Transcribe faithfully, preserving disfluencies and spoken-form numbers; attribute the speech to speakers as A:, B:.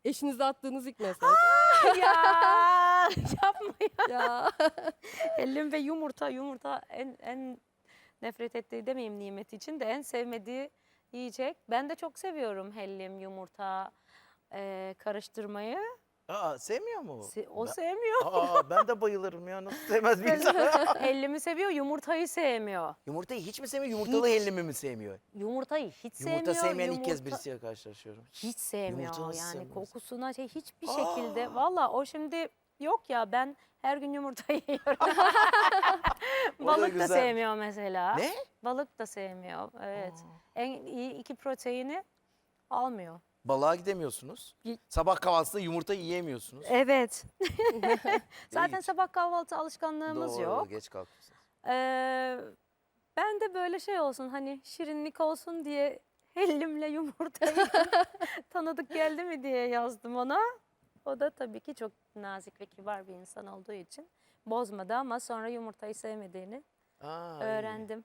A: Eşinize attığınız ilk mesaj.
B: Ya yapma ya.
A: Ya.
B: Hellim ve yumurta. Yumurta en en nefret ettiği demeyeyim nimet için de en sevmediği yiyecek. Ben de çok seviyorum hellim, yumurta e, karıştırmayı.
C: Aa, sevmiyor mu?
B: Se- o
C: Ben-
B: sevmiyor.
C: Aa, ben de bayılırım ya. Nasıl sevmez bir insan?
B: Hellimi seviyor, yumurtayı sevmiyor.
C: Yumurtayı hiç mi sevmiyor, yumurtalı
B: Hiç.
C: hellimi mi sevmiyor?
B: Yumurtayı hiç sevmiyor.
C: Yumurta sevmeyen ilk kez
B: yumurta-
C: birisiyle karşılaşıyorum.
B: Hiç sevmiyor
C: Yumurta nasıl
B: yani
C: sevmez?
B: kokusuna şey hiçbir
C: Aa!
B: şekilde. Valla o şimdi yok ya ben her gün yumurta yiyorum.
C: O da
B: Balık da
C: güzelmiş.
B: sevmiyor mesela.
C: Ne?
B: Balık da sevmiyor. Evet. En iyi iki proteini almıyor.
C: Balığa gidemiyorsunuz.
B: Gi-
C: Sabah kahvaltısında yumurta yiyemiyorsunuz.
B: Evet. Zaten
C: Hiç.
B: sabah kahvaltı alışkanlığımız
C: Doğru,
B: yok.
C: geç kalkmışsınız.
B: Ee, ben de böyle şey olsun hani şirinlik olsun diye hellimle yumurtayı tanıdık geldi mi diye yazdım ona. O da tabii ki çok nazik ve kibar bir insan olduğu için bozmadı ama sonra yumurtayı sevmediğini
C: Aa, iyi.
B: öğrendim.